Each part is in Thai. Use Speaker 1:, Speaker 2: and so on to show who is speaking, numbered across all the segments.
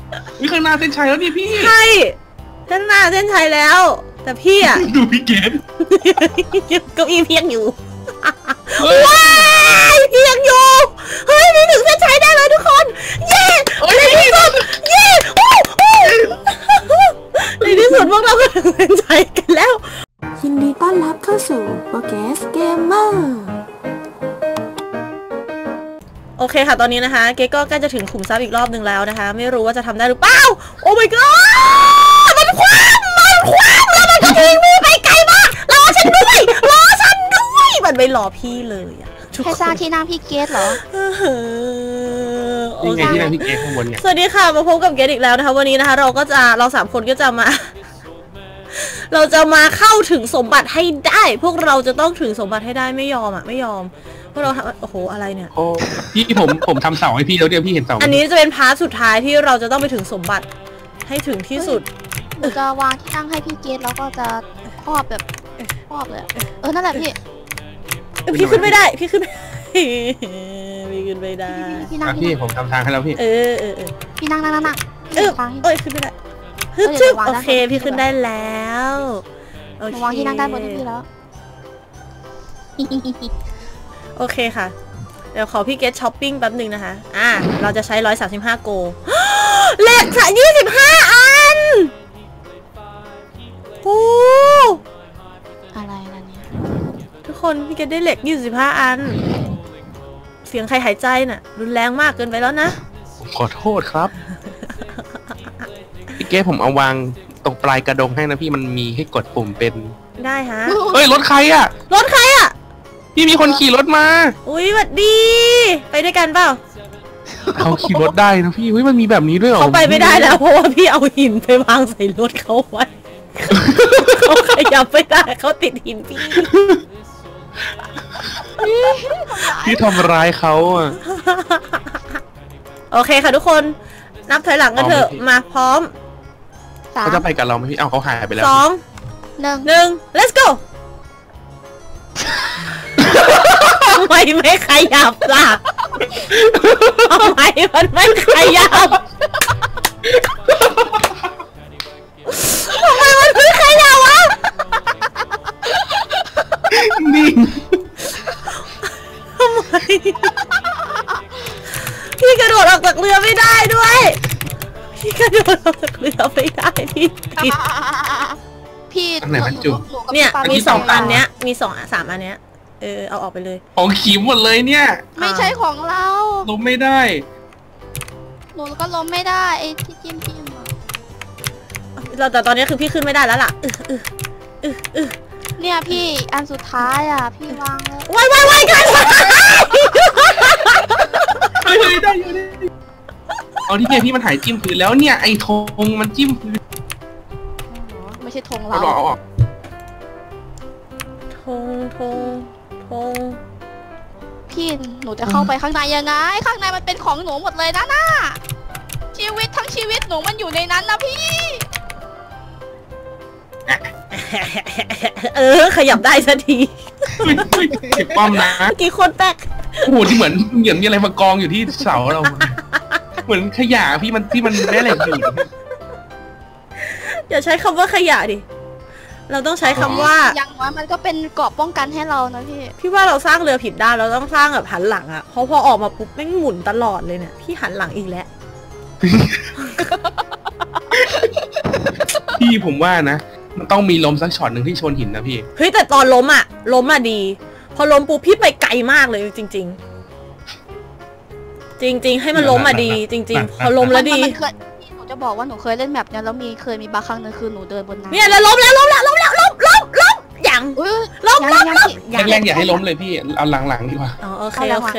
Speaker 1: วิข้างหน้าเส้นชัยแล้วนี่พี่
Speaker 2: ใช่เส้นหน้าเส้นชัยแล้ว แต่พี่อะ
Speaker 1: ดูพี่เกด
Speaker 2: เก้าอี้เพียงอยู่ว้ายเพียงอยู่เฮ้ยนี่ถึงเส้นชัยได้เลยทุกคนเย้ในที่สุดเย้ในที่สุดพวกเราก็ถึงเส้นชัยกันแล้ว
Speaker 3: ยินดีต้อนรับเข้าสู่โปเกสเกมเมอร์
Speaker 2: โอเคค่ะตอนนี้นะคะเก๊ก็ใกล้จะถึงขุมทรัพย์อีกรอบหนึ่งแล้วนะคะไม่รู้ว่าจะทำได้หรือเปล่าโอ้ my god มันคว้างแล้วมันก็ทิ้งมือไปไกลมากรอฉันด้วยมันไม่รอพี่เลยอะ
Speaker 4: ใครสร้างที่นั่งพี่เกสเหรอ
Speaker 1: นี่ไงที่นั่งพี่เกสข้างบนเนี่ย
Speaker 2: สวัสดีค่ะมาพบกับเกสอีกแล้วนะคะวันนี้นะคะเราสามคนก็จะมาเราจะมาเข้าถึงสมบัติให้ได้พวกเราจะต้องถึงสมบัติให้ได้ไม่ยอมพวกเราโอ้โหอะไรเนี่ย
Speaker 1: โอ้พี่ผมทำเสาให้พี่แล้วเดี๋ยวพี่เห็นเสา
Speaker 2: อันนี้จะเป็นพาร์ทสุดท้ายที่เราจะต้องไปถึงสมบัติให้ถึงที่สุด
Speaker 4: หนูจะวางที่นั่งให้พี่เกสแล้วก็จะครอบแบบครอบเลยนั่นแหละ
Speaker 2: พี่ขึ้นไม่ได้พี่ขึ้นไม่ได้
Speaker 1: พี่ผมทำทางให้แล้วพี่
Speaker 4: พี่นั่งขึ้น
Speaker 2: ไม่ได้โอเคพี่ขึ้นได้แล้ว
Speaker 4: วางที่นั่งได้บนพี่แล้ว
Speaker 2: โอเคค่ะเดี๋ยวขอพี่เกตช้อปปิ้งแป๊บหนึ่งนะคะเราจะใช้135โกเลข25อันโอ้
Speaker 4: อะไรล่ะเนี่ย
Speaker 2: ทุกคนพี่เกตได้เหล็ก25อันเสียงใครหายใจน่ะรุนแรงมากเกินไปแล้วนะ
Speaker 1: ขอโทษครับพี่เกตผมเอาวางตรงปลายกระดงให้นะพี่มันมีให้กดปุ่มเป็น
Speaker 2: ได้ฮะ
Speaker 1: เฮ้ยรถใครอ่ะพี่มีคนขี่รถมา
Speaker 2: อุ้ยสวัสดีไปด้วยกันเปล่า
Speaker 1: เขาขี่รถได้นะพี่มันมีแบบนี้ด้วยเหรอ
Speaker 2: เขาไปไม่ได้แล้วเพราะว่าพี่เอาหินไปวางใส่รถเขาไว้เขาขยับไม่ได้เขาติดหิน
Speaker 1: พี่ทำร้ายเขาอ่ะ
Speaker 2: โอเคค่ะทุกคนนับถอยหลังกันเถอะมาพร้อม
Speaker 1: เขาจะไปกับเราไหมพี่เขาหายไปแล้ว
Speaker 2: 2 1 let's go ทำไมไม่ขยับล่ะทำไมมันไม่ขยับทำไมมันไม่ขยับวะ
Speaker 1: นิ่ง
Speaker 2: ทำไมพี่กระโดดออกจากเรือไม่ได้ด้วยพี่กระโดดออกจากเรือไม่ได้
Speaker 4: พี่
Speaker 1: ไหนมันจุ่ม
Speaker 2: เนี่ยมี2อันเนี้ยมี3อันเนี้ยเอาออกไปเลย
Speaker 1: ของขีมหมดเลยเนี่ย
Speaker 4: ไม่ใช่ของเรา
Speaker 1: ล้มไม่ได้
Speaker 4: หนูก็ล้มไม่ได้ไอ้ที่จิ้ม
Speaker 2: แต่ตอนนี้คือพี่ขึ้นไม่ได้แล้วล่ะ
Speaker 4: เนี่ยพี่อันสุดท้ายอ่ะพี่วางแล้ว
Speaker 2: ไว้กัน
Speaker 1: ได้อยู่ดิเอาที่พี่มันหายจิ้มพื้นแล้วเนี่ยไอ้ธงมันจิ้มพื้น
Speaker 4: ไม่ใช่ธงเรา
Speaker 2: ธง
Speaker 4: พี่หนูจะเข้าไปข้างในยังไงข้างในมันเป็นของหนูหมดเลยนะชีวิตทั้งชีวิตหนูมันอยู่ในนั้นนะพี่
Speaker 2: ขยับได้สักที
Speaker 1: เก็บป้อมนะ
Speaker 2: กี่คนแตก
Speaker 1: โอ้โหที่เหมือนมีอะไรมากองอยู่ที่เสาเราเหมือนขยะพี่มันที่มันแม่เหล็กอยู่
Speaker 2: อย่าใช้คำว่าขยะดิเราต้องใช้คำว่า
Speaker 4: อย่างน้อยมันก็เป็นเกราะป้องกันให้เรานะ
Speaker 2: พี่ว่าเราสร้างเรือผิดด้านเราต้องสร้างแบบหันหลังอ่ะเพราะพอออกมาปุ๊บแม่งหมุนตลอดเลยเนี่ยพี่หันหลังอีกแล้ว
Speaker 1: พี่ผมว่านะมันต้องมีล้มสักช็อตหนึ่งที่ชนหินนะพี่
Speaker 2: เฮ้ยแต่ตอนล้มอ่ะดีพอล้มปุ๊บพี่ไปไกลมากเลยจริงให้มันล้มดีจริงพอล้มแล้วดี
Speaker 4: หนูจะบอกว่าหนูเคยเล่นแบบนี้แล้วเคยมีบางครั้งนึงคือหนูเดินบนน้ำ
Speaker 2: เนี่ยแล้วล้มอย่างล้ม
Speaker 1: แรงอย่าให้ล้มเลยพี่เอาหลังดีกว่า
Speaker 2: โอเค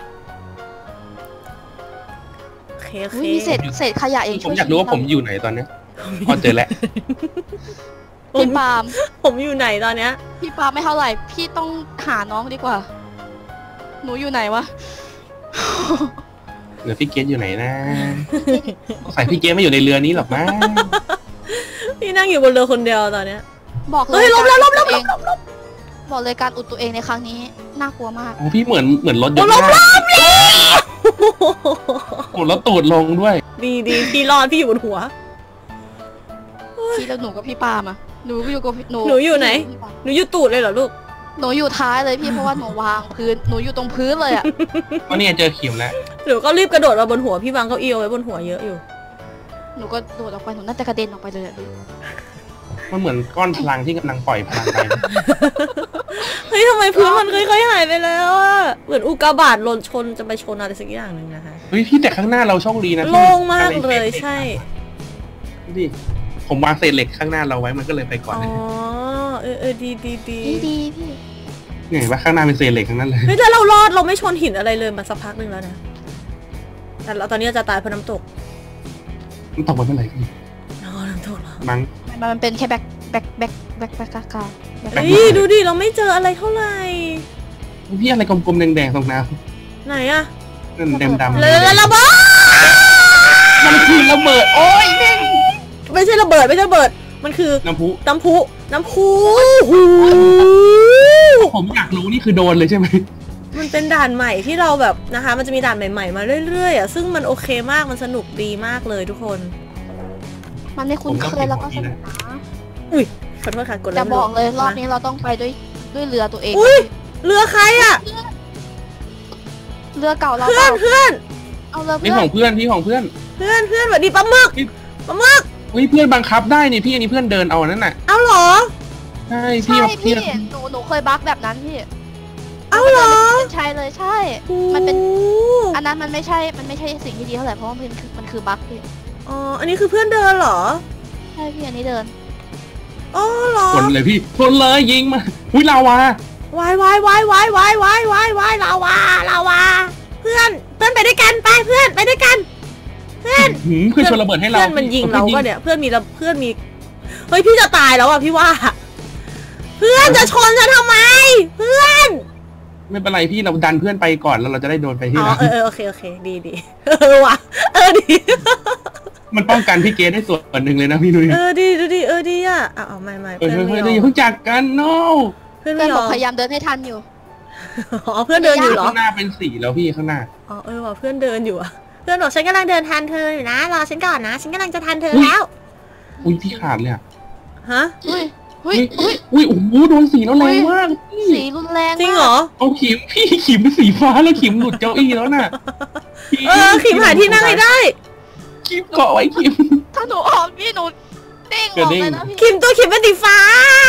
Speaker 4: มีเศษขยะเอง
Speaker 1: ผมอยากรู้ว่าผมอยู่ไหนตอนนี้พอเจอแล้ว
Speaker 4: พี่ปาล์ม
Speaker 2: ผมอยู่ไหนตอนเนี้ย
Speaker 4: พี่ปาล์มไม่เท่าไหร่พี่ต้องหาน้องดีกว่าหนูอยู่ไหนวะ
Speaker 1: เดี๋ยวพี่เกสอยู่ไหนนะใส่พี่เกสไม่อยู่ในเรือนี้หรอกนะ
Speaker 2: พี่นั่งอยู่บนเรือคนเดียวตอนเนี้ย
Speaker 4: บอกเลย
Speaker 2: ล้ม
Speaker 4: บอกเลยการอุดตัวเองในครั้งนี้น่ากลัวมาก
Speaker 1: โอ้พี่เหมือนรถยนต์
Speaker 2: ล้ม
Speaker 1: หมดแล้วตูดลงด้วย
Speaker 2: ดีพี่รอดพี่อยู่บนหัว
Speaker 4: พี่แล้วหนูกับพี่ปามาหนูอยู่กับหนู
Speaker 2: หนูอยู่ไหนหนูอยู่ตูดเลยเหรอลูก
Speaker 4: หนูอยู่ท้ายเลยพี่เพราะว่าหนูวางพื้นหนูอยู่ตรงพื้นเลยอะ
Speaker 1: ก็เนี่ยเจอเข็มแล้ว
Speaker 2: หนูก็รีบกระโดดมาบนหัวพี่วางเก้าอี้เอาไว้บนหัวเยอะอยู่
Speaker 4: หนูก็โดดออกไปหนูน่าจะกระเด็นออกไปเลยอะพี่
Speaker 1: มันเหมือนก้อนพลังที่กำลังปล่อยพลังไป
Speaker 2: เฮ้ยทำไมพื้นมันค่อยๆหายไปแล้วอะเหมือนอุกกาบาตหล่นชนจะไปชนอะไรสักอย่างหนึ่งนะคะ
Speaker 1: เฮ้ยพี่แต่ข้างหน้าเราโชคดีนะ
Speaker 2: โล่งมากเลยใช่
Speaker 1: ดิผมวางเศษเหล็กข้างหน้าเราไว้มันก็เลยไปก่อน
Speaker 2: อ๋อ
Speaker 1: เลย
Speaker 2: ดี
Speaker 4: ดีพี่
Speaker 1: เห็นว่าข้างหน้าเป็นเศษเหล็กทั้งนั้นเลย
Speaker 2: เฮ้ยแต่เรารอดเราไม่ชนหินอะไรเลยมาสักพักหนึ่งแล้วนะแต่เราตอนนี้จะตายเพราะน้ำตก
Speaker 1: มันตกไปเมื่อไหร่พี่
Speaker 2: อ๋อน้ำตกเหรอ
Speaker 1: มั้ง
Speaker 4: มันเป็นแค่แบ็คกา
Speaker 2: เฮ้ยดูดิเราไม่เจออะไรเท่าไหร่
Speaker 1: พี่อะไรกลมๆแดงๆตรงน้
Speaker 2: ไหนอะ
Speaker 1: ำนั่นดำๆ
Speaker 2: แล้วระเบิด
Speaker 1: มันคือระเบิดโอ้ยแม่ง
Speaker 2: ไม่ใช่ระเบิดมันคือ
Speaker 1: น้ำพุ
Speaker 2: น้ำพุหู
Speaker 1: ผมอยากรู้นี่คือโดนเลยใช่ไหม
Speaker 2: มันเป็นด่านใหม่ที่เราแบบนะคะมันจะมีด่านใหม่ๆมาเรื่อยๆอ่ะซึ่งมันโอเคมากมันสนุกดีมากเลยทุกคน
Speaker 4: มันไม่คุ้นเคยแล้วก็สนุกนะ
Speaker 2: อุ้ยขอโทษค่ะกด
Speaker 4: จะบอกเลยรอบนี้เราต้องไปด้วยเรือตัวเอง
Speaker 2: อุ้ยเรือใครอ่ะ
Speaker 4: เรือเก่าเรา
Speaker 2: เพื่อน
Speaker 4: เอาเรือ
Speaker 1: นี่
Speaker 4: เพื่อ
Speaker 1: ขอน งเพื่อนพี่ของเพื่อน
Speaker 2: สวัสดีปลาหมึก
Speaker 1: เฮ้ยเพื่อนบังคับได้นี่พี่อันนี้เพื่อนเดินเอานั่นน่ะ
Speaker 2: เอาเหรอ
Speaker 1: ใช่
Speaker 4: ใช่พี่
Speaker 1: พี่
Speaker 4: หนูเคยบั๊กแบบนั้นพี่
Speaker 2: เอาเหรอ
Speaker 4: ใช่เลยใช่ มันเป็นอันนั้นมันไม่ใช่สิ่งที่ดีเท่าไหร่เพราะว่ามันคือบั๊กพี่
Speaker 2: อ๋ออันนี้คือเพื่อนเดินเหรอ
Speaker 4: ใช่พี่อันนี้เดิน
Speaker 2: อ๋อเหรอ
Speaker 1: คนเลยพี่คนเลยยิงมาอุ้ยลาวาว
Speaker 2: ายลาวาเพื่อนไปด้วยกันไปเพื่อนไปด้วยกันเพื่อน
Speaker 1: เพื่อนชนระเบิดให้เรา
Speaker 2: เพื่อนมันยิงเราก็เนี่ยเพื่อนมีเฮ้ยพี่จะตายแล้วอ่ะพี่ว่า เพื่อนจะชนฉันทำไม เพื่อน
Speaker 1: ไม่เป็นไรพี่เราดันเพื่อนไปก่อนแล้วเราจะได้โดนไปที่
Speaker 2: อ๋อ
Speaker 1: หลัง
Speaker 2: โอเคดีว่ะดี
Speaker 1: มันป้องกันพี่เกดได้ส่วนหนึ่งเลยนะพี่นุ้ย
Speaker 2: ดีอ่ะเอาไม่
Speaker 1: เฮ้ย
Speaker 2: เพื่อนไม่
Speaker 1: เฮ้ย
Speaker 2: ย
Speaker 1: อย่า
Speaker 2: อม
Speaker 1: เพิ่งจากกัน no
Speaker 2: เพื่อน
Speaker 4: เพื่
Speaker 2: ไม่
Speaker 4: อน
Speaker 2: ย
Speaker 4: บ
Speaker 2: อ
Speaker 4: อก
Speaker 2: ม
Speaker 4: พยายามเดินให้ทันอยู่
Speaker 2: อ๋อเพื่อนเดินอยู่เหรอ
Speaker 1: ข้างหน้าเป็นสีแล้วพี่ข้างหน้า
Speaker 2: อ๋อว่ะเพื่อนเดินอยู่อ่ะเพื่อนบอกฉันกำลังเดินทันเธออยู่นะรอฉันก่อนนะฉันกำลังจะทันเธอแล้ว
Speaker 1: อุ้ยพี่ขาดเลยอ่ะ
Speaker 2: ฮะ
Speaker 4: เฮ้ย
Speaker 1: อุ้ยโอ้โหโดนสีแล้วแรงมากพี่
Speaker 4: สีรุนแรง
Speaker 2: จริงเหรอ
Speaker 1: เอาขิมพี่ขิมเป็นสีฟ้าแล้วขิมหลุดเก้าอี้แล้วน่ะ
Speaker 2: ขิมหาที่นั่งให้ได้
Speaker 1: ขิมเกาะไว้ขิม
Speaker 4: ถ้าหนูออกพี่หนูเด้งออกเลยนะพี่
Speaker 2: ขิมเป็นสีฟ้า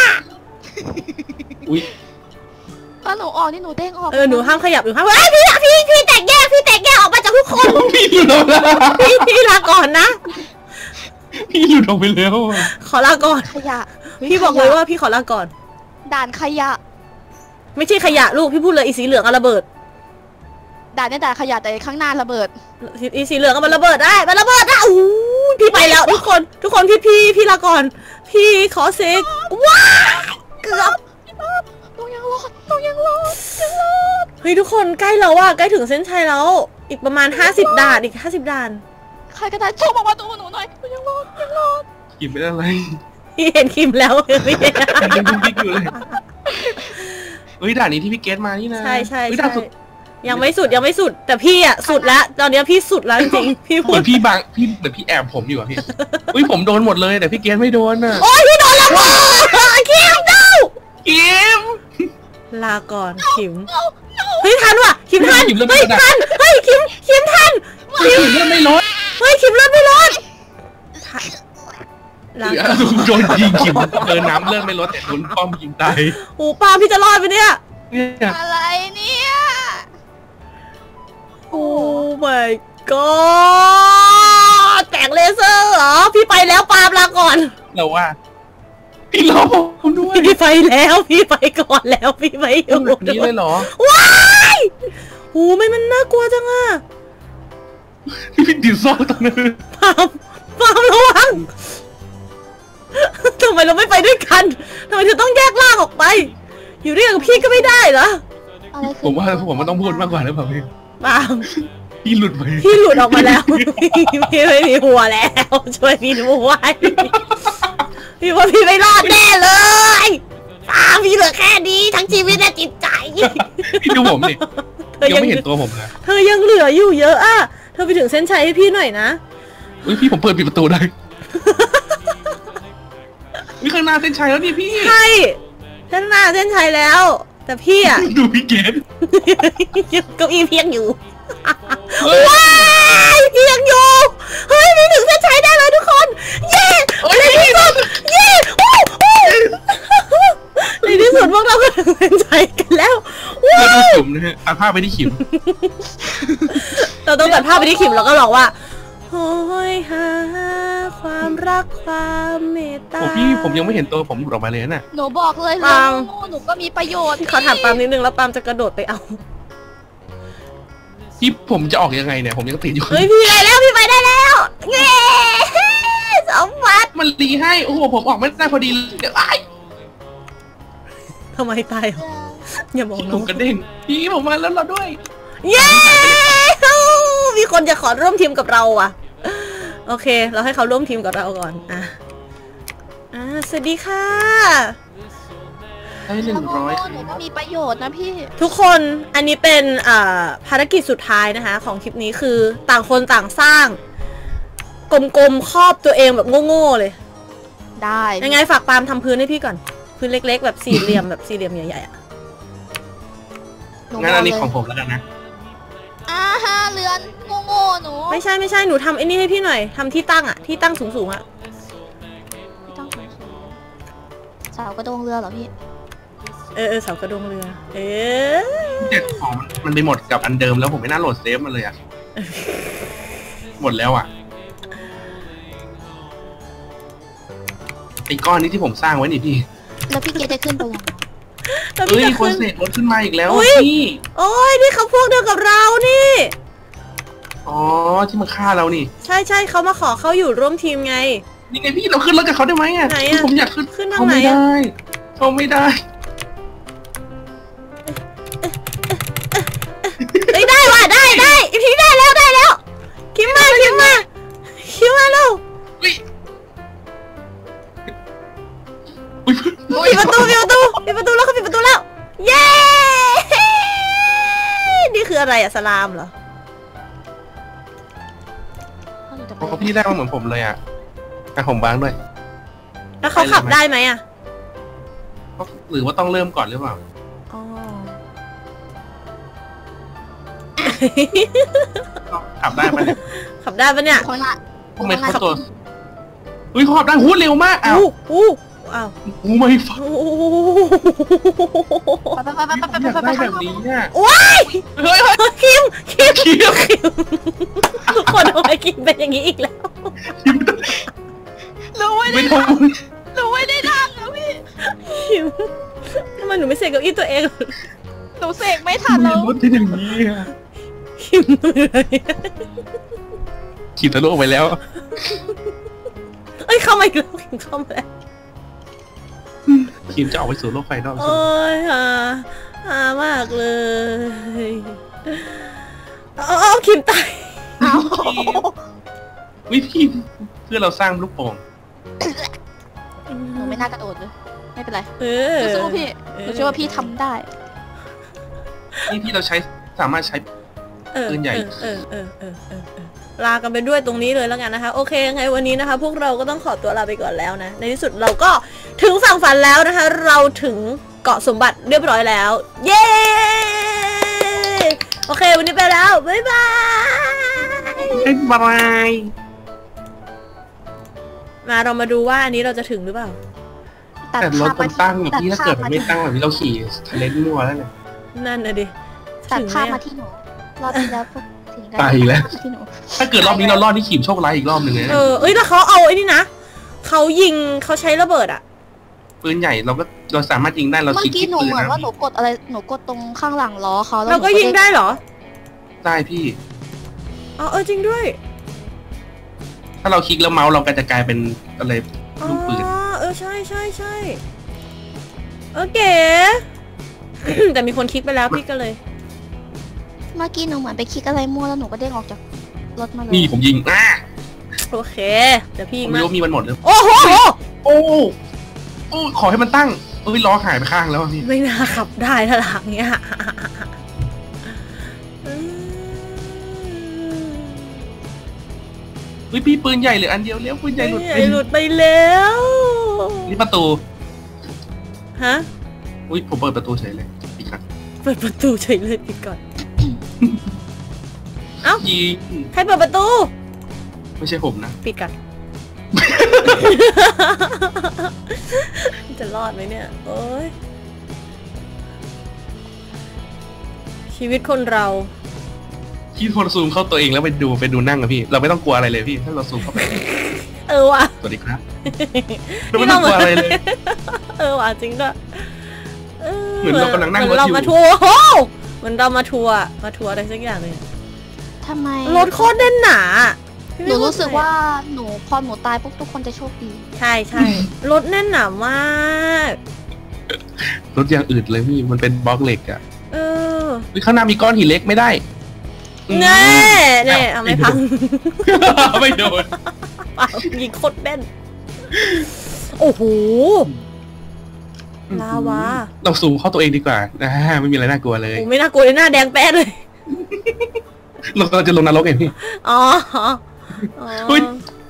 Speaker 1: อุ้ย
Speaker 4: ถ้าหนูออกนี่หนูเด้งออก
Speaker 2: หนูห้ามขยับหนูห้ามพี่แตกแยกออกมาจากทุกคน
Speaker 1: พี่หลุดออกแล้ว
Speaker 2: พี่ลาก่อนนะ
Speaker 1: พี่หลุดออกไปแล้ว
Speaker 2: ขอลาก่อน
Speaker 4: ขยะ
Speaker 2: พี่บอกเลยว่าพี่ขอลาก่อน
Speaker 4: ด่านขยะ
Speaker 2: ไม่ใช่ขยะลูกพี่พูดเลยอีสีเหลืองเอาระเบิด
Speaker 4: ด่านเนี่ยด่านขยะแต่ข้างหน้าระเบิด
Speaker 2: อีสีเหลืองเอามันระเบิดได้อู้พี่ไปแล้วทุกคนพี่ลาก่อน พี่ขอเซกว้าเกือบ
Speaker 4: ต้องยังรอด
Speaker 2: เฮ้ยทุกคนใกล้แล้วอะใกล้ถึงเส้นชัยแล้ว อีกประมาณ50 ด่านอีก50 ด่าน
Speaker 4: ใครก็ได้ช่วยบอกว่าตัวหนูหน่อยยังรอด
Speaker 1: ขิมเป็นอะไร
Speaker 2: พี่เห็นคิมแล้วพี่เห็น
Speaker 1: ยังดุ๊กดิ๊กอยู่เลยเฮ้ยด่านนี้ที่พี่เกดมานี่นะ
Speaker 2: ใช่
Speaker 1: เฮ้ยด่านสุด
Speaker 2: ยังไม่สุดแต่พี่อะสุดแล้วตอนนี้พี่สุดแล้วจริงๆพี่
Speaker 1: เห
Speaker 2: พู
Speaker 1: มื
Speaker 2: ด
Speaker 1: อนพี่บังพี่เหมือนพี่แอบผมอยู่อะพี่อุ้ยผมโดนหมดเลยแต่พี่เกดไม่โดนน่ะ
Speaker 2: โอ้ยพี่โดนแล้วคิมดู
Speaker 1: ขิม
Speaker 2: ลาก่อนคิมเฮ้ยทันว่ะคิมทัน
Speaker 1: ขิมเลือด
Speaker 2: เฮ้
Speaker 1: ไม่
Speaker 2: ย
Speaker 1: ลด
Speaker 2: ทันเฮ้ยคิมทัน
Speaker 1: ขิมเลือดไม่ลด
Speaker 2: เฮ้ยคิมเลือดไม่ลดลา
Speaker 1: โดนยิงขิมน้ำเลือดไม่ลดแต่โดนป้อมยิงตาย
Speaker 2: โอ้ปาพี่จะรอดไปเนี่ย
Speaker 1: เนี่ย
Speaker 4: อะไรเนี่ย
Speaker 2: โอ้ my god แตกเลเซอร์เหรอพี่ไปแล้วปาลาก่อน
Speaker 1: เราว่าพี่รอผมด้วย
Speaker 2: พี่ไปแล้วพี่ไปก่อนแล้วพี่ไปอยู่
Speaker 1: แบบนี้เลยเหรอ
Speaker 2: ว้ายโอ้ไม่มันน่ากลัวจังอะ
Speaker 1: พี่ติดซอกตรงนั้น
Speaker 2: ปามระวังทำไมเราไม่ไปด้วยกันทำไมเธอต้องแยกล่างออกไป อยู่ด้วยกับพี่ก็ไม่ได้เหรอ
Speaker 4: อะไร
Speaker 1: ผมว่ามันต้องพูดมากกว่าหรือเปล่าพี่
Speaker 2: ปาม
Speaker 1: พี่หลุดไป
Speaker 2: พี่หลุดออกมาแล้ว พี่ไม่มีหัวแล้วช่วยพี่ด้วยพี่ว่าพี่ไม่รอดแน่เลยปามพี่เหลือแค่นี้ทั้งชีวิตและจิตใจ
Speaker 1: พี่ดูผมดิ
Speaker 2: เธอ
Speaker 1: ยังไม่เห็นตัวผมเลย
Speaker 2: เธอยังเหลืออยู่เยอะอะเธอไปถึงเส้นชัยให้พี่หน่อยนะ
Speaker 1: อุ้ยพี่ผมเปิดปิดประตูได้มีข้างหน้าเส้นชัยแล้วนี่พี่
Speaker 2: ใช่เส้นหน้าเส้นชัยแล้ว แต่พี่อะ
Speaker 1: ดูพี่เกด
Speaker 2: เก้าอี้เพียงอยู่ว้ายเพียงอยู่เฮ้ยนี่ถึงเส้นชัยได้เลยทุกคนเย้ในที่สุดเย้ในที่สุดพวกเราก็ถึงเส้นชัยกันแล้วว้า
Speaker 1: ดู
Speaker 2: ว
Speaker 1: ขิมนะฮะตัดภาพไปที่ขิม
Speaker 2: เราต้องตัดภาพไปที่ขิมแล้วก็ร้องว่าโอ้ยหาความรักความเมตตา
Speaker 1: โอ้พี่ผมยังไม่เห็นตัวผมหลุดออกมาเลยน่ะ
Speaker 4: หนูบอกเลย
Speaker 2: ปาล์ม
Speaker 4: หนูก็มีประโยชน์
Speaker 2: ขอถามปาล์มนิดนึงแล้วปาล์มจะกระโดดไปเอา
Speaker 1: พี่ผมจะออกยังไงเนี่ยผมยังติดอยู่
Speaker 2: เฮ้ยพี่ไปแล้วพี่ไปได้แล้วเย้สมบัติ
Speaker 1: มันรีให้โอ้โหผมออกไม่ได้พอดีเดี๋ยวไอ้
Speaker 2: ทำไมตายเหรออย่าบอก
Speaker 1: ผ
Speaker 2: น้อ
Speaker 1: ม
Speaker 2: ง
Speaker 1: กระเด้งพี่ผมมาแล้วเราด้วย
Speaker 2: เย้มีคนจะขอร่วมทีมกับเราอ่ะโอเค เราให้เขาร่วมทีมกับเราก่อนสวัสดีค่ะ
Speaker 1: ได้100
Speaker 4: หนูก็มีประโยชน์นะพี่
Speaker 2: ทุกคนอันนี้เป็นภารกิจสุดท้ายนะคะของคลิปนี้คือต่างคนต่างสร้างกลมๆครอบตัวเองแบบโง่ๆเลย
Speaker 4: ได้
Speaker 2: ยังไงฝากปาล์มทำพื้นให้พี่ก่อนพื้นเล็กๆแบบสี่เหลี่ยมแบบสี่เหลี่ยมใหญ่ๆอ่ะ
Speaker 1: งั้นอันนี้ของผมแล้วกันนะ
Speaker 4: เรือนโง่ๆหนู
Speaker 2: ไม่ใช่หนูทำไอ้นี่ให้พี่หน่อยทำที่ตั้งอ่ะที่ตั้งสูงๆอ่ะ
Speaker 4: ไม่ต้องสูงๆเสากระโดงเรือเหรอพี่
Speaker 2: เสากระดงเรือ
Speaker 1: เด็ดของมันไปหมดกับอันเดิมแล้วผมไม่น่าโหลดเซฟมันเลยอ่ะหมดแล้วอ่ะไอ้ก้อนนี้ที่ผมสร้างไว้นี่พี่
Speaker 4: แล้วพี่เกจะขึ้นไปยัง
Speaker 2: แล้ว
Speaker 1: เอ้
Speaker 2: พี่
Speaker 1: ย
Speaker 2: จะ
Speaker 1: คน
Speaker 2: ขึ้น
Speaker 1: เสกรถขึ้นมาอีกแล้ว
Speaker 2: อุ๊ย
Speaker 1: พี่
Speaker 2: โอ้ยนี่เขาพวกเดียวกับเรานี่
Speaker 1: อ๋อที่มาฆ่าเรานี่
Speaker 2: ใช่เขามาขอเขาอยู่ร่วมทีมไง
Speaker 1: นี่ไงพี่เราขึ้นรถกับเขาได้ไหมอ่ะ
Speaker 2: ไหนอะ
Speaker 1: ผมอยากขึ้น
Speaker 2: ขึ้นทาง
Speaker 1: เขา
Speaker 2: ไหน
Speaker 1: ไม่
Speaker 2: อะ
Speaker 1: ได้เขาไม่ได้
Speaker 2: ได้ว่ะได้พี่ได้แล้วคิมมาเร็ว
Speaker 1: อุ้ยอุ้ย
Speaker 2: ปิดประตูแล้วเขาปิดประตูแล้วเย้นี่คืออะไรอะสลามเหรอ
Speaker 1: พอพี่ได้มาเหมือนผมเลยอ่ะผมบ้างด้วย
Speaker 2: แล้วเขาขับได้ไหมอะ
Speaker 1: หรือว่าต้องเริ่มก่อนหรือเปล่า
Speaker 2: อ๋อ
Speaker 1: ขับได้ไหมเนี่ย
Speaker 2: ขับได้ปะเนี่ย
Speaker 4: คนละ
Speaker 1: ทำไมเขาตัวอุ้ยเขาขับได้หูเร็วมากอ้าว
Speaker 2: อ้าว
Speaker 1: หูไม่ฟัง
Speaker 4: ไป
Speaker 1: อยากได้แบบนี้อ่ะ
Speaker 2: ว้าย
Speaker 1: เฮ้ย
Speaker 2: คิม
Speaker 1: เคียบ
Speaker 2: ทุกคนทำไมคิมเป็นอย่างนี้อีกแล้ว
Speaker 4: รู้ไว้
Speaker 1: ไม่
Speaker 4: ได้
Speaker 1: ต้อง
Speaker 4: รู้ไว้ได้ดังนะพี่
Speaker 2: คิมทำไมหนูไม่เสกเก้าอี้ตัวเอง
Speaker 4: หนูเสกไม่ทันแล้ว
Speaker 1: รถที่อย่างนี้อ่ะ
Speaker 2: คิมเหนื่อย
Speaker 1: ขี่ทะลุออกไปแล้ว
Speaker 2: เอ้ยเข้ามาอีกแล้วคิมเข้ามาแล้ว
Speaker 1: ขี่จะออกไปสู่โลกภายนอก
Speaker 2: โอ้ยหามากเลยคิมตาย
Speaker 1: วิธีเพื่อเราสร้างลูกโป่ง
Speaker 4: หนูไม่น่ากระโดดเลยไม่เป็นไร
Speaker 2: เออ
Speaker 4: สู้ๆพี่หนูเชื่อว่าพี่ทำได้
Speaker 1: นี่ที่เราใช้สามารถใช้ ปืนใหญ่
Speaker 2: ลากันไปด้วยตรงนี้เลยแล้วกันนะคะ โอเคยังไงวันนี้นะคะ พวกเราก็ต้องขอตัวลาไปก่อนแล้วนะ ในที่สุดเราก็ถึงฝั่งฝันแล้วนะคะ เราถึงเกาะสมบัติเรียบร้อยแล้ว เย้ โอเควันนี้ไปแล้ว บ๊ายบาย
Speaker 1: บาย
Speaker 2: มาเรามาดูว่าอันนี้เราจะถึงหรือเปล่า
Speaker 1: แต่รถมันตั้งอย่างที่ถ้าเกิดมันไม่ตั้งแบบนี้เราขี่ทะเลมั่วแล้วเนี่ย
Speaker 2: นั่นน่ะดิ
Speaker 4: ตัด
Speaker 2: ถึงไห
Speaker 4: ภาพ
Speaker 2: ม
Speaker 4: มาที่หนูรอบที่แล้วพวกถึงกัน
Speaker 1: ตายอีกแล้ว
Speaker 4: ที่หนู
Speaker 1: ถ้าเกิดรอบนี้เรารอดที่ขี่โชคร้ายอีกรอบหนึ่งเลยนะ
Speaker 2: เอ้ยแล้วเขาเอาไอ้นี่นะเขายิงเขาใช้ระเบิดอะ
Speaker 1: ปืนใหญ่เราสามารถยิงได้เรา
Speaker 4: เมื่อ
Speaker 1: คลิก
Speaker 4: กี้
Speaker 1: ที่
Speaker 4: หนู
Speaker 1: ปืน
Speaker 4: เหมือน
Speaker 1: นะ
Speaker 4: ว่าหนูกดอะไรหนูกดตรงข้างหลังล้อเขาแล้ว
Speaker 2: เราก็ยิงได้เหรอ
Speaker 1: ได้พี่
Speaker 2: อ๋อจริงด้วย
Speaker 1: ถ้าเราคลิกแล้วเมาส์เราก็จะกลายเป็นอะไรลูกปืน
Speaker 2: ใช่เก๋ แต่มีคนคลิกไปแล้วพี่ก็เลย
Speaker 4: เมื่อกี้หนูเหมือนไปคลิกอะไรมั่วแล้วหนูก็เด้งออกจากรถมาเลย
Speaker 1: นี่ผมยิง
Speaker 2: โอเคเดี๋ยวพี่
Speaker 1: ผมไม่รู้มีมันหมดหรือ
Speaker 2: โอ้โห
Speaker 1: โอ้ขอให้มันตั้งล้อหายไปข้างแล้วพี่
Speaker 2: ไม่น่าขับได้ถ้าหลังเนี้ย
Speaker 1: อุ้ยพี่ปืนใหญ่เหลืออันเดียวแล้วปืนใหญ่หลุด
Speaker 2: หลุดไปแล้ว
Speaker 1: นี่ประตู
Speaker 2: ฮะ
Speaker 1: อุ้ยผมเปิดประตูเฉยเลยอีกครั้ง
Speaker 2: เปิดประตูเฉยเลยปิดก่อน เอ้า
Speaker 1: ยิง
Speaker 2: ใครเปิดประตู
Speaker 1: ไม่ใช่ผมนะ
Speaker 2: ปิดก่อน จะรอดไหมเนี่ยโอ้ยชีวิตคนเรา
Speaker 1: ที่โทรซูมเข้าตัวเองแล้วไปดูนั่งอะพี่เราไม่ต้องกลัวอะไรเลยพี่ถ้าเราซูมเข้าไป
Speaker 2: ว่ะ
Speaker 1: สวัสดีครับเราไม่ต้องกลัวอะไรเลย
Speaker 2: ว่ะจริงด้วย
Speaker 1: เหมือนเรากำลังนั่งรถอยู่
Speaker 2: เรามาทัวร์โอ้เหมือนเรามาทัวร์อะไรสักอย่างเลย
Speaker 4: ทำไม
Speaker 2: รถโคตรแน่นหนา
Speaker 4: หนูรู้สึกว่าพอหนูตายปุ๊บทุกคนจะโชคดี
Speaker 2: ใช่รถแน่นหนามาก
Speaker 1: รถอย่างอื่นเลยพี่มันเป็นบล็อกเหล็กอะ ข้างหน้ามีก้อนหินเล็กไม่ได้
Speaker 2: แน่เอาไม่พัง
Speaker 1: ไม่โดน
Speaker 2: ยิงโคตรแน่นโอ้โหลาวา
Speaker 1: เราซูมเข้าตัวเองดีกว่าไม่มีอะไรน่ากลัวเลย
Speaker 2: โอ้ไม่น่ากลัวเลยหน้าแดงแป๊ดเลย
Speaker 1: เราจะลงนรกเองพี่
Speaker 2: อ๋อ
Speaker 1: อุ๊ย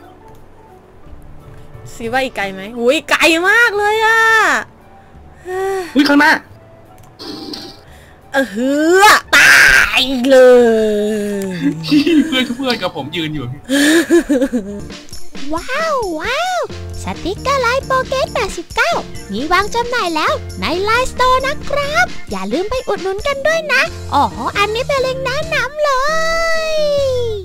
Speaker 2: ซีว่าอีกไกลไหมอุ้ยไกลมากเลยอ่ะ
Speaker 1: อุ้ยข้างหน้า
Speaker 2: ตายเลย
Speaker 1: เพื่อนกับผมยืนอยู่พี่
Speaker 5: ว้าวสติกเกอร์ไลน์โปเกต89มีวางจำหน่ายแล้วในไลน์สโตร์นะครับ อย่าลืมไปอุดหนุนกันด้วยนะอ๋ออันนี้เป็นเล็งก์แนะนำเลย